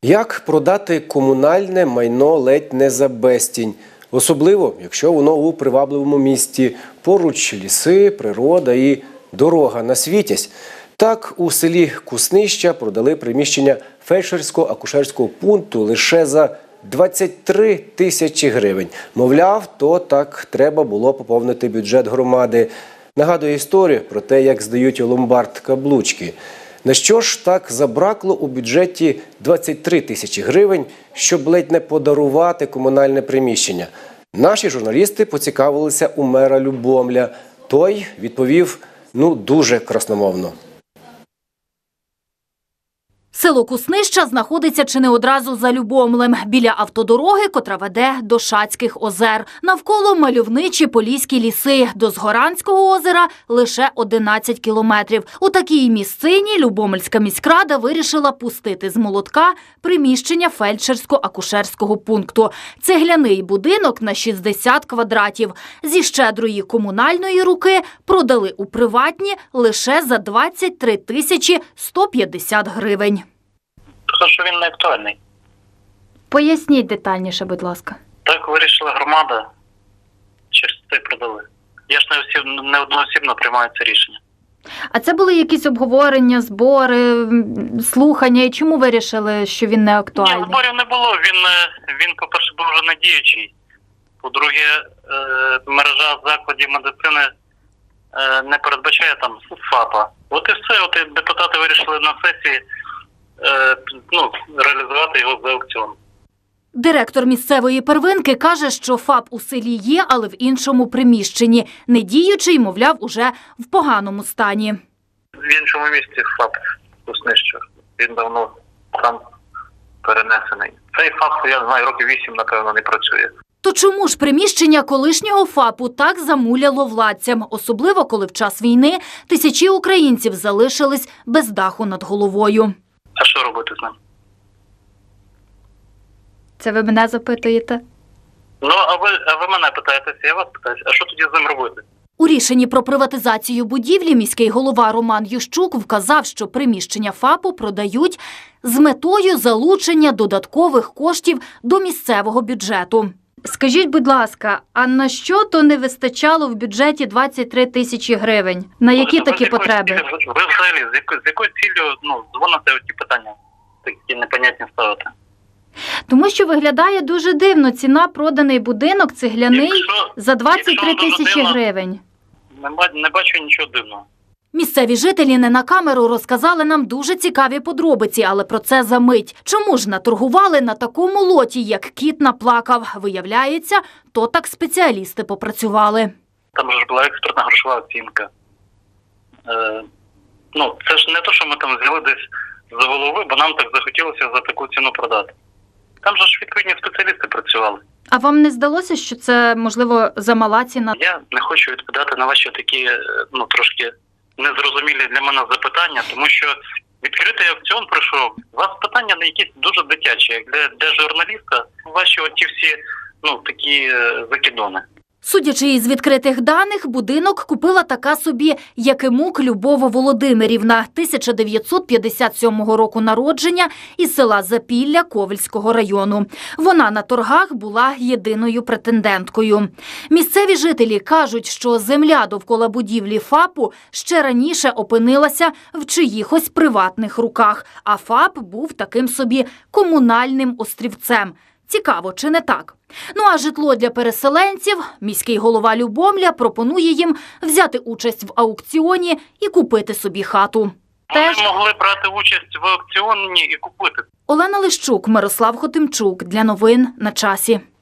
Як продати комунальне майно ледь не за безцінь? Особливо, якщо воно у привабливому місті, поруч ліси, природа і дорога на Світязь. Так, у селі Куснища продали приміщення фельдшерсько-акушерського пункту лише за 23 тисячі гривень. Мовляв, то так треба було поповнити бюджет громади. Нагадує історію про те, як здають у ломбард каблучки. На що ж так забракло у бюджеті 23 тисячі гривень, щоб ледь не подарувати комунальне приміщення? Наші журналісти поцікавилися у мера Любомля. Той відповів, дуже красномовно. Село Куснища знаходиться чи не одразу за Любомлем, біля автодороги, котра веде до Шацьких озер. Навколо мальовничі поліські ліси, до Згоранського озера лише 11 кілометрів. У такій місцині Любомльська міськрада вирішила пустити з молотка приміщення фельдшерсько-акушерського пункту. Цегляний будинок на 60 квадратів. Зі щедрої комунальної руки продали у приватні лише за 23 тисячі 150 гривень. Тому що він не актуальний. Поясніть детальніше, будь ласка. Так вирішила громада, через це продали. Я ж не одноосібно приймаю це рішення. А це були якісь обговорення, збори, слухання? І чому вирішили, що він не актуальний? Ні, зборів не було. Він по-перше, був вже недіючий. По-друге, мережа закладів медицини не передбачає там ФАПа. От і все. От і депутати вирішили на сесії реалізувати його за аукціон. Директор місцевої первинки каже, що ФАП у селі є, але в іншому приміщенні. Недіючий, мовляв, уже в поганому стані. В іншому місці ФАП Куснища. Він давно там перенесений. Цей ФАП, я знаю, років 8, напевно, не працює. То чому ж приміщення колишнього ФАПу так замуляло владцям? Особливо, коли в час війни тисячі українців залишились без даху над головою. А що робити з ним? Це ви мене запитуєте? А ви мене питаєтеся, я вас питаюся. А що тоді з ним робити? У рішенні про приватизацію будівлі міський голова Роман Ющук вказав, що приміщення ФАПу продають з метою залучення додаткових коштів до місцевого бюджету. Скажіть, будь ласка, а на що то не вистачало в бюджеті 23 тисячі гривень? На які такі потреби? Ви взагалі, з якою ціллю дзвоните оці питання, такі непонятні ставити? Тому що виглядає дуже дивно. Ціна проданий будинок цегляний за 23 тисячі гривень. Не бачу нічого дивного. Місцеві жителі не на камеру розказали нам дуже цікаві подробиці, але про це за мить. Чому ж наторгували на такому лоті, як кіт наплакав? Виявляється, то так спеціалісти попрацювали. Там ж була експертна грошова оцінка. Це ж не те, що ми там взяли десь за голови, бо нам так захотілося за таку ціну продати. Там же ж відповідні спеціалісти працювали. А вам не здалося, що це, можливо, замала ціна? Я не хочу відповідати на ваші такі, трошки незрозумілі для мене запитання, тому що відкритий аукціон пройшов. У вас питання не якісь дуже дитячі, як для журналіста, ваші оті всі, такі закидони. Судячи із відкритих даних, будинок купила така собі Якимук Любов Володимирівна, 1957 року народження, із села Запілля Ковельського району. Вона на торгах була єдиною претенденткою. Місцеві жителі кажуть, що земля довкола будівлі ФАПу ще раніше опинилася в чиїхось приватних руках, а ФАП був таким собі комунальним острівцем. Цікаво, чи не так? А житло для переселенців міський голова Любомля пропонує їм взяти участь в аукціоні і купити собі хату. Вони могли брати участь в аукціоні і купити. Олена Лищук, Мирослав Хотимчук. Для новин на часі.